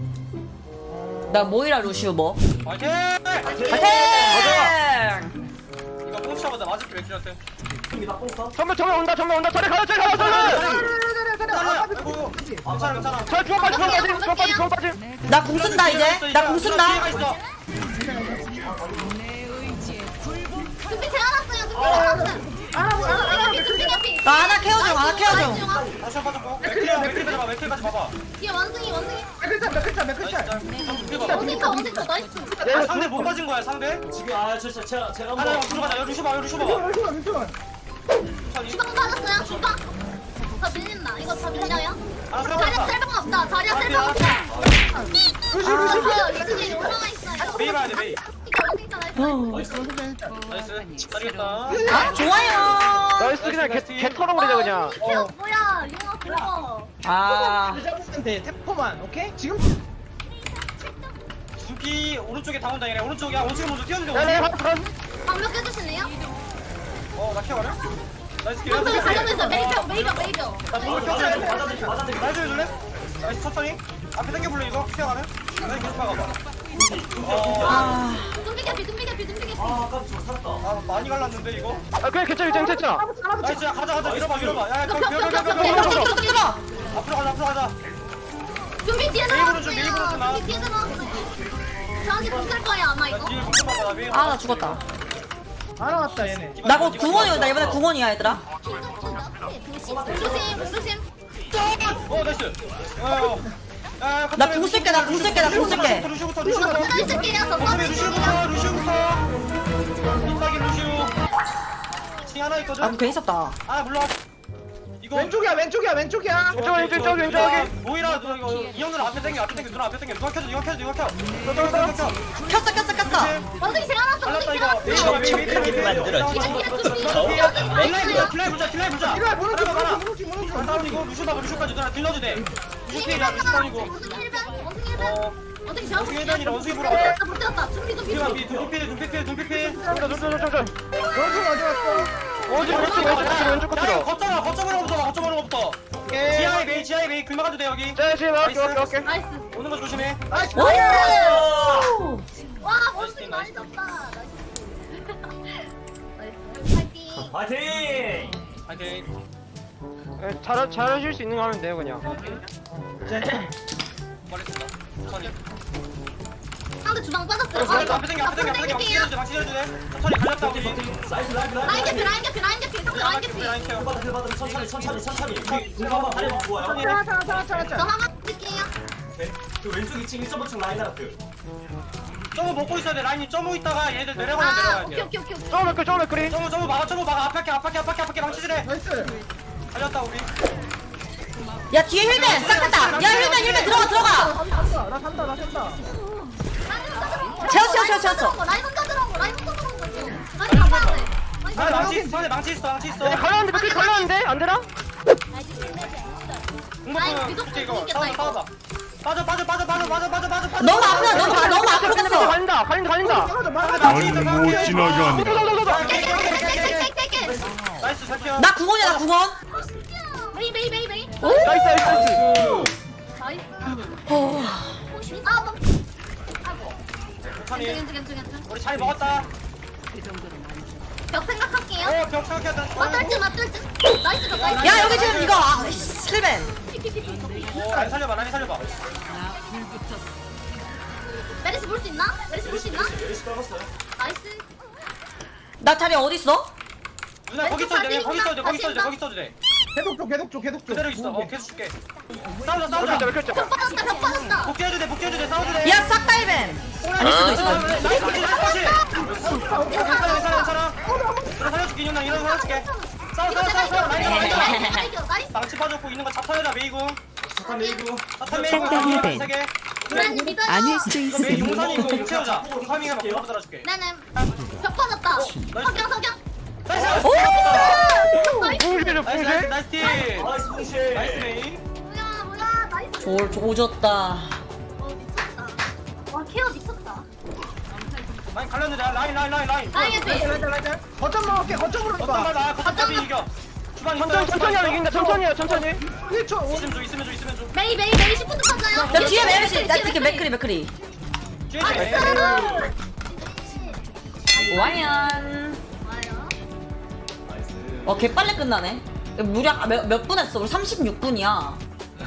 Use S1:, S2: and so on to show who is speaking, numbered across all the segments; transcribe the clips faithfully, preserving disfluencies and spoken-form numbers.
S1: 나 모이라 루시우 뭐?
S2: 파이팅!
S1: 파이팅!
S2: 이거 뽕치자마자 맞을 게 맥주한테.
S3: 정면 정면 온다 정면 온다 저리 가요 저리 가요 저리 가요
S2: 아이고, 괜찮아 괜찮아.
S3: 저 주먹 빠지 주먹 빠지 주먹 빠지 주먹 빠지
S1: 나 궁 쓴다 이제. 나 궁 쓴다.
S4: 준비 재워놨어요. 준비 재워놨어요. 준비 개피.
S1: 나 하나 케어 중 하나 케어 중.
S2: 다시 한 번 빠졌고. 맥클이야 맥클 가지 마 맥클까지 봐봐.
S4: 뒤에 원숭이 원숭이.
S5: 맥클짤 맥클짤
S2: 나이스
S5: 맥클짤
S2: 짤. 맥클 봐봐.
S4: 원숭이 원숭이 나이스.
S2: 아, 상대 못 맞은 거야 상대.
S6: 아, 저, 저, 제가, 제가
S2: 하나
S6: 한번.
S2: 들어가자. 여기 루시 봐 여기 루시 봐봐.
S5: 잠시만 잠시만
S2: 천천히.
S4: 주방 받았어요. 주방. 다 밀린다. 이거 다 밀려요?
S2: 아,
S4: 자리야 셀방 없다. 자리야 셀방 없다. 아, 이승이 올라가 있어요.
S2: 메이 봐야 돼 메이.
S4: 이거 원숭이 나이스.
S2: 나이스. 잘했다.
S1: 아 좋아요.
S3: 나이스 그냥 개, 개 털어버리자 그냥
S4: 이거 뭐야? 용어 그거.
S1: 아
S5: 잡으면 템포만 오케이? 지금
S2: 준비 오른쪽에 다 온다 얘네. 오른쪽이야. 원숭이 먼저 뛰어주자.
S3: 네네
S2: 원숭이.
S3: 가서
S4: 방벽 해주실래요?
S2: 어나 키워가래? 나이스 킬.
S4: 방벽 살려주세요. 메이병 메이병 메이병.
S2: 나 공을 켜줘야 돼. 맞아들게 맞아들게. 나이스 해줄래? 나이스 천천히. 앞에 당겨볼래 이거? 키워가면? 나이스 계속 막아봐. 어.
S1: 아.
S4: 준비 개피 준비 개피 준비 개피.
S6: 아, 아까 저 살았다.
S2: 아 많이 갈랐는데 이거?
S3: 아 그냥 괜찮아 괜찮아 괜찮아
S2: 나이스 야 가자 가자 밀어봐 밀어봐 야야
S4: 벽,
S2: 거기
S4: 벽, 벽, 벽,
S2: 밀어봐
S4: 벽,
S2: 밀어봐
S4: 벽,
S1: 뜯어.
S2: 앞으로 가자 앞으로 가자.
S4: 준비 뒤에
S2: 메이브로 좀, 메이브로 좀
S4: 나왔어요.
S2: 나와.
S4: 준비 뒤에 나왔어요. 저한테 붙을 거예요 아마
S2: 나
S4: 이거.
S2: 뒤에 공좀 봐봐 나 메이.
S1: 아 나 죽었다.
S5: 안 나왔다 얘네
S1: 나 곧 궁원이야. 나 이번에 궁원이야 얘들아.
S4: 조심 조심.
S2: 어 나이스. 어. 야,
S1: 나 궁 쓸게 나 궁 쓸게 나 궁 쓸게.
S2: 루시부터 루시부터
S4: 저 있을게요. 저
S2: 루시부터
S4: 있을게요.
S2: 루시부터 루시부터 인사기 루시우. 층 하나 있거든.
S1: 아 괜히 썼다.
S2: 아 물러와. 이거
S5: 왼쪽이야 왼쪽이야 왼쪽이야
S3: 왼쪽 왼쪽 왼쪽 왼쪽 여기
S2: 모이라 누나 이거 이 형들 앞에 당겨 앞에 당겨 누나 앞에 당겨 누가 켜줘 누가 켜줘 누가 켜. 켜 켜, 켜, 켜.
S1: 켰어 켰어 켰어.
S4: 원숭이 제가 나왔어.
S2: 갈랐다
S4: 원숭이
S2: 이거.
S4: 제가
S2: 메이
S4: 나왔어.
S2: 메이 메이 메이 메이. 킬라이 보자 킬라이 보자 킬라이 보자.
S5: 이거 무너져
S2: 하나,
S5: 무너져
S2: 하나.
S5: 무너져
S2: 안 싸우니고 루슈 봐봐 루슈까지 누나 딜러도 돼. 루슈 피해야 루슈 다니고.
S4: 원숭이 일반 원숭이 일반.
S2: 어.
S4: 원숭이 제가
S2: 원숭이 일반이라 원숭이 보러 가자.
S4: 못 들었다. 준비 준비
S2: 피가
S4: 준비.
S2: 피 눈피필 눈피필 눈피필.
S3: 저저저저저
S5: 원숭이 어디 갔어?
S3: 어디 왼쪽 왼쪽 끝으로 왼쪽
S2: 야
S3: 끝으로
S2: 거점으로 거점으로 부터 거점으로 부터.
S5: 오케이
S2: 지하에 메이 지하에 메이 긁어가도 돼 여기.
S3: 자 지금 오케이 오케이 오케이
S4: 나이스.
S2: 오는 거 조심해.
S5: 나이스
S1: 오.
S4: 와 원숭이 많이 졌다. 나이스. 파이팅.
S6: 파이팅!
S2: 파이팅.
S3: 예, 잘 잘하실 수 있는 거 하면 돼요 그냥
S2: 빨리습니다 천천히.
S4: 상대 주방 빠졌어요.
S2: 앞에 당겨 앞에 당겨 앞에 당겨 앞에 당겨.
S4: 땡길게요.
S2: 막시 해줘도 돼. 천천히 갈렸다 우리.
S6: 나이스, 라이프,
S4: 라인
S6: 라이프.
S4: 개피 라인 개피 라인 개피 상대 라인 개피.
S2: 라인 케어.
S6: 힐받아, 힐받아. 천천히, 천천히, 천천히. 공부 한번 하려면 좋아요.
S5: 자자 자자
S4: 저
S5: 자자
S4: 하나 드릴게요.
S6: 오케이. 그 왼쪽 이 층 일 점 오 층 라인 아트.
S2: 점을 먹고 있어야 돼. 라인이 점을 있다가 얘들 내려가면
S4: 아
S2: 내려가야
S4: 오케이
S2: 돼.
S4: 오케이 오케이 오케이.
S3: 쪼맥클쪼맥클이
S2: 점을 점을 막아 점을 막아 앞에 앞에 앞에 앞에 망치질해.
S5: 나이스
S2: 갈렸다 우리.
S1: 야 뒤에 힐맨 싹 탔다. 야 힐맨 힐맨 들어가 들어가.
S5: 나 산다 나 산다 나 산다
S1: 채웠어, 채웠어, 채웠어.
S4: 라인 혼자 들어온 거 라인 혼자 들어온 거. 라인 가봐야 돼. 라인
S2: 아
S4: 가봐야
S2: 망치
S4: 돼.
S2: 있어. 상대 망치 있어. 망치 있어.
S3: 야 갈렸는데 맥클 갈렸는데 안 되나?
S4: 라인
S2: 공격은
S4: 무조건
S2: 이제 이거
S4: 이기겠다,
S2: 싸워
S4: 이거.
S2: 싸워봐. 빠져 빠져 빠져 빠져 빠져 빠져 빠져 빠져.
S1: 너무 아프다 너무 아, 너무 앞으로 갔어.
S3: 갈린다 갈린다 갈린다
S5: 맞아 맞아
S2: 망치 있어,
S7: 넌
S2: 망치
S7: 못
S2: 있어.
S7: 지나간다.
S4: 깨깨깨깨깨깨깨깨.
S2: 나이스 잘 피어.
S1: 나 궁원이야 나 궁원.
S4: 메이 메이 메이 메이.
S3: 나이스 나이스
S4: 나이스.
S1: 어.
S4: 아 너. 아이고.
S2: 천천히.
S4: 괜찮 괜찮 괜찮.
S2: 우리 잘 먹었다.
S4: 벽 생각할게요.
S2: 어벽 생각해야
S4: 맞돌지 맞돌지. 나이스 벽 나이스.
S1: 야 여기 지금 이거 아, 힐맨.
S2: 오 라인 살려봐 라인 살려봐.
S4: 메리스 볼 수 있나? 메리스 볼 수 있나?
S6: 열심히 떨었어요.
S4: 나이스.
S1: 나 자리 어디 있어?
S2: 누나 거기 써도 돼 거기 써도 돼 거기 써도 돼 거기 써도 돼.
S5: 계속 줘 계속 줘 계속 줘
S2: 그대로 있어. 어 계속 줄게. 싸우자 싸우자.
S3: 맥클 맥클
S4: 벽 빠졌다 벽 빠졌다.
S2: 복귀해도 돼 복귀해도 돼 싸워도 돼.
S1: 야 싹 다 힐맨. 아닐 수도 있어.
S2: 나이스 나이스 나이스. 괜찮아 괜찮아 괜찮아. 그래 살려줄게 이년아 이년 살려줄게. 싸워 싸워 싸워 싸워 라인 잡아 라인 잡아.
S4: 나이스 나이스.
S2: 망치 빠졌고 있는 거 잡혀내라 메이고.
S6: 잠깐 메이브.
S2: 사탄 메이고 세 개.
S4: 브라님 믿어요.
S8: 아닐 수도
S2: 이거 메이
S8: 있으니
S2: 용산이 이거 용 채우자. 파밍해봐 바로 달아줄게.
S4: 네네. 벽 빠졌다. 석양 석양.
S2: 나이스.
S4: 나이스.
S3: 붕실
S2: 나이스 나이스
S3: 붕실
S2: 나이스 팀.
S6: 나이스, 봉실.
S2: 나이스 메이.
S4: 뭐야 뭐야 나이스.
S1: 졸 조졌다.
S4: 어 미쳤다. 와 케어 미쳤다.
S2: 라인 갈렸는데 라인 라인 라인 라인.
S4: 라인 개피.
S5: 라이트 라이트 거점 먹을게 거점으로
S2: 어떤 말
S5: 봐
S2: 나 거점이 이겨. 주방
S3: 천천히 천천히 하면 이긴다 천천히 해요 천천히
S5: 일 초.
S2: 있으면 줘 있으면 줘 있으면 줘
S4: 메이 메이 메이 시프트 탔어요.
S1: 야 뒤에 메르시 나 지금 맥크리 맥크리
S2: 뒤에
S4: 아,
S2: 있어
S1: 와연
S4: 좋아요.
S6: 나이스.
S1: 어 개빨리 끝나네 무려 몇, 몇 분 했어? 우리 삼십육 분이야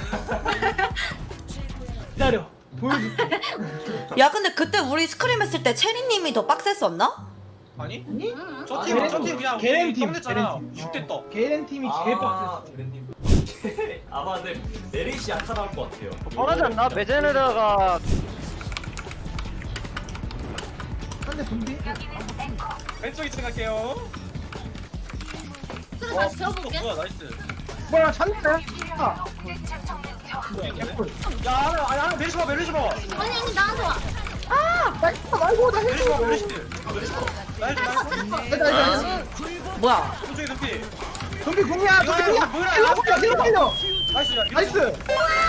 S5: 기다려. 보여줘.
S1: 야 근데 그때 우리 스크림 했을 때 체리님이 더 빡셌었나?
S2: 아니?
S4: 응.
S2: 저팀 저팀 그냥
S5: 걔네
S2: 우리
S5: 팀,
S2: 떡냈잖아
S5: 걔네 팀.
S2: 육 대 떡
S5: 게렌 팀이 제일
S6: 아,
S5: 빡셌어.
S6: 그랜님. 아마 근데 메리시 약하 나올 것 같아요.
S3: 뻔하지 않나? 메제네라가
S5: 근데 분비?
S2: 왼쪽 이층 갈게요
S4: 그래
S2: 와
S4: 다시
S2: 부스터
S4: 들어볼게.
S2: 뭐야 나이스
S5: 뭐야 찾는다. 아,
S2: 야 하나 아니 하나 메리시 봐 메리시 봐
S4: 아니 아니 나한테 와.
S5: 나 있어 말고 나
S2: 메리시 봐
S5: 해줘.
S2: 메리시 나이스 나이스
S4: 테레퍼.
S5: 됐다 됐다.
S1: 뭐야
S2: 오른쪽에 높이
S5: 분비 궁이야. 분비 궁이야.
S2: 뭐야,
S5: 일로 살려. 일로 살려.
S2: 나이스 야
S5: 나이스.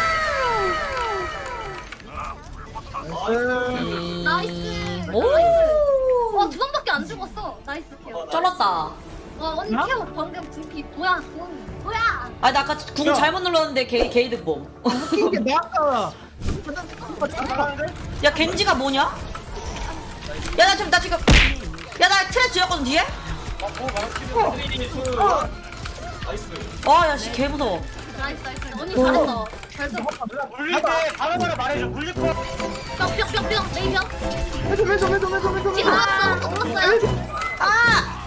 S1: 음...
S4: 나이스.
S1: 오
S4: 와, 두 번밖에 안 죽었어. 나이스 케어.
S1: 쩔었다
S4: 와, 언니 케어 방금 분피 뭐야? 돈 뭐야?
S1: 아니 나 아까 궁
S5: 야.
S1: 잘못 눌렀는데 게, 게이득 봄.
S5: 웃긴 게 내가
S2: 잘하는데?
S1: 야 겐지가 뭐냐? 야 나 지금 나 지금 야 나 트랩 지었거든 뒤에?
S2: 아뭐 말았지
S5: 어.
S6: 나이스.
S1: 아야씨 개 무서워.
S4: 나이스 나이스. 언니 잘했어. 잘했어.
S2: 물릴 때 바로바로 말해줘 물릴 거
S4: 뿅뿅뿅뿅 메이병.
S5: 해줘 해줘 해줘 해줘 해줘.
S4: 뒤 돌았어. 또 돌았어요.
S1: 아!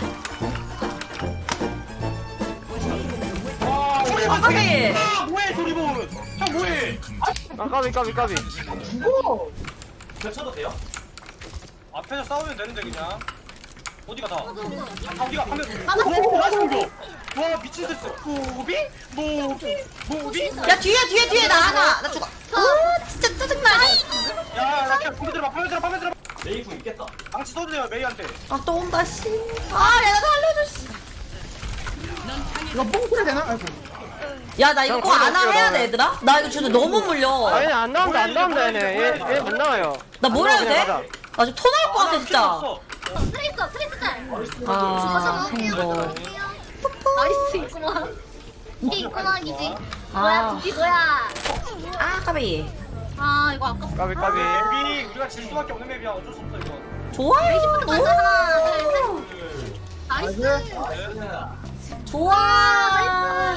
S1: 아 까비!
S2: 아 뭐해 도리본 형 뭐해
S3: 아 까비 까비 까비
S5: 죽어.
S6: 겹쳐도 돼요?
S2: 앞에서 싸우면 되는데 그냥 어디가 다
S4: 맞아, 맞아.
S2: 아, 어디가 방금
S4: 막았어.
S2: 오 나이스 공격 와 미친 듯 모비 모비 모비
S1: 야 뒤에 뒤에 뒤에 나 하나 나 죽어. 아 진짜 짜증나.
S2: 야야 그냥 공기 들어봐 파면 들어봐 파면 들어봐
S6: 메이프 있겠다.
S2: 망치 써도 돼요 메이한테
S1: 아 또 온다 씨. 아 내가 살려줘 씨.
S5: 이거 뽕 소리 되나? 아이고.
S1: 야 나 이거
S3: 형,
S1: 꼭 안
S3: 걸어볼게요,
S1: 해야 돼
S3: 나는.
S1: 얘들아? 나 이거 진짜 너무 물려.
S3: 아니 안 나온다 안 나온다 얘네 얘얘못 나와요
S1: 나 뭘 해야
S3: 안
S1: 돼?
S3: 나와, 그냥
S1: 나 지금 토 나올 것 같아 진짜.
S4: 트레이서 트레이서 짤.
S1: 아 행복.
S4: 나이스 있구만. 이게 있구만 이지.
S1: 아.
S4: 뭐야 분피 뭐야?
S1: 아 까비.
S4: 아 이거 아깝다.
S3: 까비 까비
S2: 맵이 우리가 질 수밖에 없는 맵이야 어쩔 수 없어 이거
S1: 좋아요.
S4: 가자 하나 둘 셋. 나이스.
S6: 나이스.
S1: 좋아.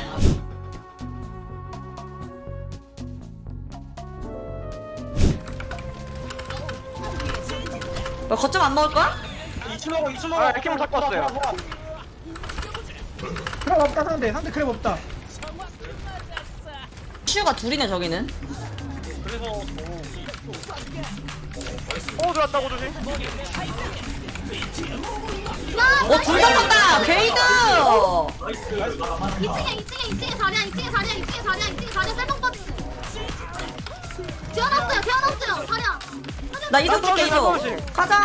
S1: 너 거점 안 먹을 거야?
S2: 이층 먹어 이층 먹어
S3: 아, 이렇게만 잡고 왔어요.
S5: 크랩 없다 상대. 상대 크랩 없다.
S1: 슈가 둘이네 저기는.
S2: 그래서
S3: 오 들어왔다고 조심
S1: 어둘 다 쏜다. 게이드.
S4: 이 층에 이 층에 이 층에 자리야 이 층에 자리야 이 층에 자리야 이 층에 자리야 셀방 빠지네. 태어났어요 태어났어요 자리야.
S1: 나 이속 줄게 이속. 가자.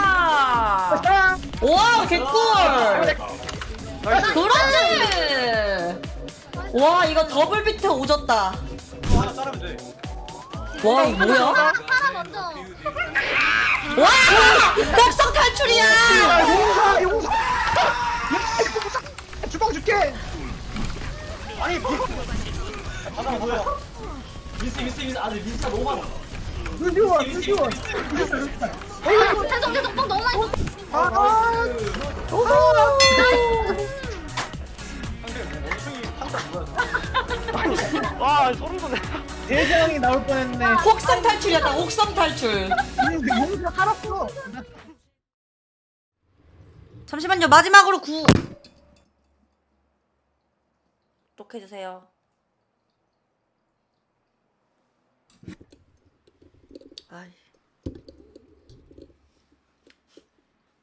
S1: 와 개꿀.
S3: 나이스
S1: 그렇지. 와 이거 더블 비트 오졌다.
S2: 하나 자르면 돼
S1: 와 이거 뭐야?
S4: 파라 파라 먼저.
S1: 와 복성 탈출이야.
S5: 야 용사 용사. 야 이거 용사. 주방 줄게.
S2: 아니 뭐 가자
S6: 뭐야?
S2: 가자
S6: 미스 미스 미스. 아 근데 미스가 너무 많아.
S5: 루시원
S6: 미스 미스
S5: 루시원.
S6: 미스.
S4: 어 죄송 죄송 뽕 너무 많이.
S5: 아. 아.
S2: 상대 뭐 원숭이 판다 뭐야
S3: 와 소름 돋네
S5: 대장이 나올 뻔했네.
S1: 혹성 탈출이었다. 혹성 탈출.
S5: 용사 살았어.
S1: 잠시만요. 마지막으로 구. 독해주세요. 아이.